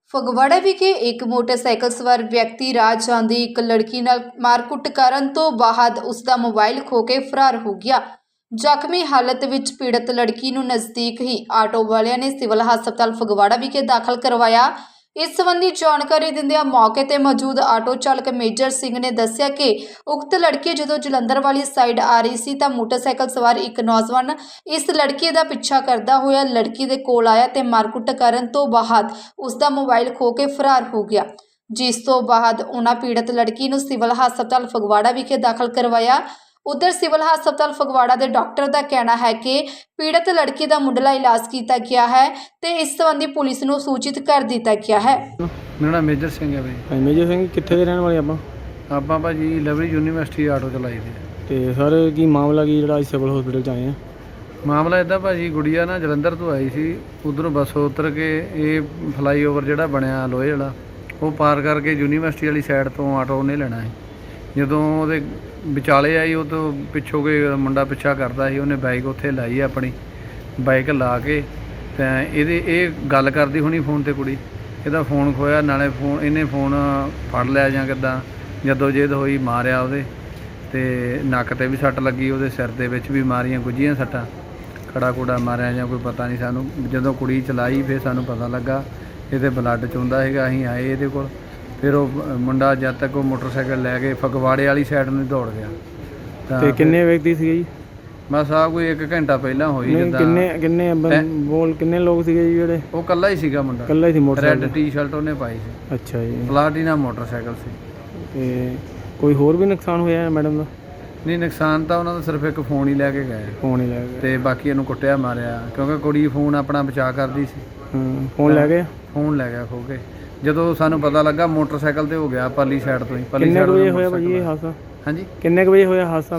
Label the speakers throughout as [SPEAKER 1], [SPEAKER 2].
[SPEAKER 1] ਫਗਵਾੜਾ ਵਿਖੇ ਇੱਕ ਮੋਟਰਸਾਈਕਲ ਸਵਾਰ ਵਿਅਕਤੀ ਰਾਹ ਜਾਂਦੀ ਇੱਕ ਲੜਕੀ ਨਾਲ ਮਾਰਕੁੱਟ ਕਰਨ ਤੋਂ ਬਾਅਦ ਉਸ ਦਾ ਮੋਬਾਈਲ ਖੋ ਕੇ ਫਰਾਰ ਹੋ ਗਿਆ। ਜ਼ਖਮੀ ਹਾਲਤ ਵਿੱਚ ਪੀੜਤ ਲੜਕੀ ਨੂੰ ਨਜ਼ਦੀਕ ਹੀ ਆਟੋ ਵਾਲਿਆਂ ਨੇ ਸਿਵਲ ਹਸਪਤਾਲ ਫਗਵਾੜਾ ਵਿਖੇ ਦਾਖਲ ਕਰਵਾਇਆ। ਇਸ ਸੰਬੰਧੀ ਜਾਣਕਾਰੀ ਦਿੰਦਿਆਂ ਮੌਕੇ ਤੇ ਮੌਜੂਦ ਆਟੋ ਚਾਲਕ ਮੇਜਰ ਸਿੰਘ ਨੇ ਦੱਸਿਆ ਕਿ ਉਕਤ ਲੜਕੀ ਜਦੋਂ ਜਲੰਧਰ ਵਾਲੀ ਸਾਈਡ ਆ ਰਹੀ ਸੀ ਤਾਂ ਮੋਟਰਸਾਈਕਲ ਸਵਾਰ ਇੱਕ ਨੌਜਵਾਨ ਇਸ ਲੜਕੀ ਦਾ ਪਿੱਛਾ ਕਰਦਾ ਹੋਇਆ ਲੜਕੀ ਦੇ ਕੋਲ ਆਇਆ ਤੇ ਮਾਰਕੁੱਟ ਕਰਨ ਤੋਂ ਬਾਅਦ ਉਸ ਦਾ ਮੋਬਾਈਲ ਖੋ ਕੇ ਫਰਾਰ ਹੋ ਗਿਆ, ਜਿਸ ਤੋਂ ਬਾਅਦ ਉਹਨਾਂ ਪੀੜਤ ਲੜਕੀ ਨੂੰ ਸਿਵਲ ਹਸਪਤਾਲ ਫਗਵਾੜਾ ਵਿਖੇ ਦਾਖਲ ਕਰਵਾਇਆ। उधर सिविल हस्पताल फगवाड़ा के डॉक्टर का कहना है कि पीड़ित लड़की का मुंडला इलाज किया गया है तो इस संबंधी पुलिस को सूचित कर दिया गया है।
[SPEAKER 2] मेरा नाम मेजर सिंह है भाई।
[SPEAKER 3] मेजर सिंह कितने रहने वाले
[SPEAKER 2] आप भाजी लवली यूनीवर्सिटी आटो चलाई थी।
[SPEAKER 3] तो सर की मामला की जो सिविल हॉस्पिटल च आए हैं?
[SPEAKER 2] मामला इदा भाजी गुड़िया ना जलंधर तो आई सी, उधरों बस उतर के ये फ्लाईओवर जो बनया लोहे वाला वो पार करके यूनीवर्सिटी वाली साइड तो आटो उन्हें लेना है। ਜਦੋਂ ਉਹਦੇ ਵਿਚਾਲੇ ਆਈ ਉਹ ਤੋਂ ਪਿੱਛੋਂ ਕੋਈ ਮੁੰਡਾ ਪਿੱਛਾ ਕਰਦਾ ਸੀ, ਉਹਨੇ ਬਾਈਕ ਉੱਥੇ ਲਾਈ ਆਪਣੀ ਬਾਈਕ ਲਾ ਕੇ ਤਾਂ ਇਹ ਗੱਲ ਕਰਦੀ ਹੋਣੀ ਫੋਨ ਤੇ ਕੁੜੀ, ਇਹਦਾ ਫੋਨ ਖੋਇਆ ਨਾਲੇ ਫੋਨ ਇਹਨੇ ਫੋਨ ਫੜ ਲਿਆ ਜਾਂ ਕਿੱਦਾਂ ਜਦੋਂ ਜੇਦ ਹੋਈ ਮਾਰਿਆ ਉਹਦੇ ਤੇ ਨੱਕ ਤੇ ਵੀ ਸੱਟ ਲੱਗੀ, ਉਹਦੇ ਸਿਰ ਦੇ ਵਿੱਚ ਵੀ ਮਾਰੀਆਂ ਗੁੱਝੀਆਂ ਸੱਟਾਂ, ਖੜਾ ਖੁੜਾ ਮਾਰਿਆ ਜਾਂ ਕੋਈ ਪਤਾ ਨਹੀਂ ਸਾਨੂੰ। ਜਦੋਂ ਕੁੜੀ ਚਲਾਈ ਫਿਰ ਸਾਨੂੰ ਪਤਾ ਲੱਗਾ ਇਹਦੇ ਬਲੱਡ ਚੁੰਦਾ ਹੈਗਾ। ਅਸੀਂ ਆਏ ਇਹਦੇ ਕੋਲ, ਫਿਰ ਉਹ ਮੁੰਡਾ ਜਦ ਤੱਕ ਉਹ ਮੋਟਰਸਾਈਕਲ ਲੈ ਕੇ ਫਗਵਾੜੇ ਵਾਲੀ ਸਾਈਡ ਨੂੰ ਦੌੜ ਗਿਆ।
[SPEAKER 3] ਤੇ ਕਿੰਨੇ ਵਿਅਕਤੀ ਸੀਗੇ ਜੀ?
[SPEAKER 2] ਬਸ ਆ ਕੋਈ 1 ਘੰਟਾ ਪਹਿਲਾਂ ਹੋਈ। ਜਿੱਦਾਂ
[SPEAKER 3] ਕਿੰਨੇ ਲੋਕ ਸੀਗੇ ਜੀ ਜਿਹੜੇ?
[SPEAKER 2] ਉਹ ਕੱਲਾ ਹੀ ਸੀਗਾ ਮੁੰਡਾ,
[SPEAKER 3] ਕੱਲਾ ਹੀ ਸੀ। ਮੋਟਰਸਾਈਕਲ
[SPEAKER 2] ਰੈੱਡ ਟੀ-ਸ਼ਰਟ ਉਹਨੇ ਪਾਈ ਸੀ।
[SPEAKER 3] ਅੱਛਾ ਜੀ।
[SPEAKER 2] ਪਲਾਟੀਨਾ ਮੋਟਰਸਾਈਕਲ ਸੀ।
[SPEAKER 3] ਤੇ ਕੋਈ ਹੋਰ ਵੀ ਨੁਕਸਾਨ ਹੋਇਆ ਮੈਡਮ ਦਾ?
[SPEAKER 2] ਨਹੀਂ, ਨੁਕਸਾਨ ਤਾਂ ਉਹਨਾਂ ਦਾ ਸਿਰਫ ਇੱਕ ਫੋਨ ਹੀ ਲੈ ਕੇ ਗਏ।
[SPEAKER 3] ਫੋਨ ਹੀ ਲੈ ਗਏ
[SPEAKER 2] ਤੇ ਬਾਕੀ ਇਹਨੂੰ ਕੁੱਟਿਆ ਮਾਰਿਆ ਕਿਉਂਕਿ ਕੁੜੀ ਫੋਨ ਆਪਣਾ ਬਚਾ ਕਰਦੀ ਸੀ।
[SPEAKER 3] ਫੋਨ ਲੈ ਗਏ?
[SPEAKER 2] ਫੋਨ ਲੈ ਗਿਆ ਖੋ ਕੇ। ਜਦੋਂ ਸਾਨੂੰ ਪਤਾ ਲੱਗਾ ਮੋਟਰਸਾਈਕਲ ਤੇ ਹੋ ਗਿਆ ਪਰਲੀ ਸਾਈਡ ਤੋਂ ਹੀ।
[SPEAKER 3] ਕਿੰਨੇ ਵਜੇ ਹੋਇਆ ਭਾਜੀ ਇਹ ਹਾਦਸਾ?
[SPEAKER 2] ਹਾਂਜੀ,
[SPEAKER 3] ਕਿੰਨੇ ਵਜੇ ਹੋਇਆ ਹਾਦਸਾ?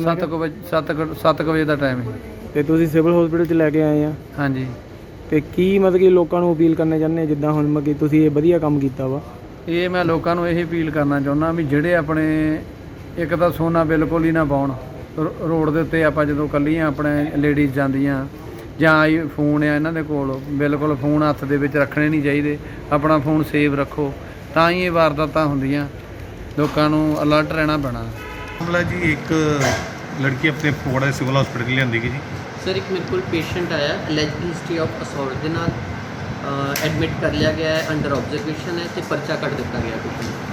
[SPEAKER 2] 7 ਵਜੇ ਦਾ ਟਾਈਮ ਹੈ।
[SPEAKER 3] ਤੇ ਤੁਸੀਂ ਸਿਵਲ ਹਸਪੀਟਲ 'ਚ ਲੈ ਕੇ ਆਏ ਆ?
[SPEAKER 2] ਹਾਂਜੀ।
[SPEAKER 3] ਤੇ ਕੀ ਮਤਲਬ ਕਿ ਲੋਕਾਂ ਨੂੰ ਅਪੀਲ ਕਰਨਾ ਚਾਹੁੰਦੇ ਜਿੱਦਾਂ ਹੁਣ ਮਤਲਬ ਕਿ ਤੁਸੀਂ ਇਹ ਵਧੀਆ ਕੰਮ ਕੀਤਾ ਵਾ?
[SPEAKER 2] ਇਹ ਮੈਂ ਲੋਕਾਂ ਨੂੰ ਇਹ ਅਪੀਲ ਕਰਨਾ ਚਾਹੁੰਦਾ ਵੀ ਜਿਹੜੇ ਆਪਣੇ ਇੱਕ ਤਾਂ ਸੋਨਾ ਬਿਲਕੁਲ ਹੀ ਨਾ ਪਾਉਣ ਰੋਡ ਦੇ ਉੱਤੇ। ਆਪਾਂ ਜਦੋਂ ਇਕੱਲੀਆਂ ਆਪਣੇ ਲੇਡੀਜ਼ ਜਾਂਦੀਆਂ ਜਾਂ ਆਈ ਫੋਨ ਆ ਇਹਨਾਂ ਦੇ ਕੋਲ, ਬਿਲਕੁਲ ਫੋਨ ਹੱਥ ਦੇ ਵਿੱਚ ਰੱਖਣੇ ਨਹੀਂ ਚਾਹੀਦੇ। ਆਪਣਾ ਫੋਨ ਸੇਵ ਰੱਖੋ ਤਾਂ ਹੀ ਇਹ ਵਾਰਦਾਤਾਂ ਹੁੰਦੀਆਂ। ਲੋਕਾਂ ਨੂੰ ਅਲਰਟ ਰਹਿਣਾ ਪੈਣਾ।
[SPEAKER 4] ਮਾਮਲਾ ਜੀ ਇੱਕ ਲੜਕੀ ਆਪਣੇ ਫਗਵਾੜਾ ਸਿਵਲ ਹਸਪੀਟਲ ਲਿਆਂਦੀ ਗਈ ਜੀ।
[SPEAKER 5] ਸਰ ਇੱਕ ਮੇਰੇ ਕੋਲ ਪੇਸ਼ੈਂਟ ਆਇਆ ਅਲੈਜਡ ਹਿਸਟਰੀ ਆਫ ਅਸੌਲਟ ਦੇ ਨਾਲ ਐਡਮਿਟ ਕਰ ਲਿਆ ਗਿਆ ਹੈ, ਅੰਡਰ ਆਬਜ਼ਰਵੇਸ਼ਨ ਹੈ ਤੇ ਪਰਚਾ ਕੱਟ ਦਿੱਤਾ ਗਿਆ।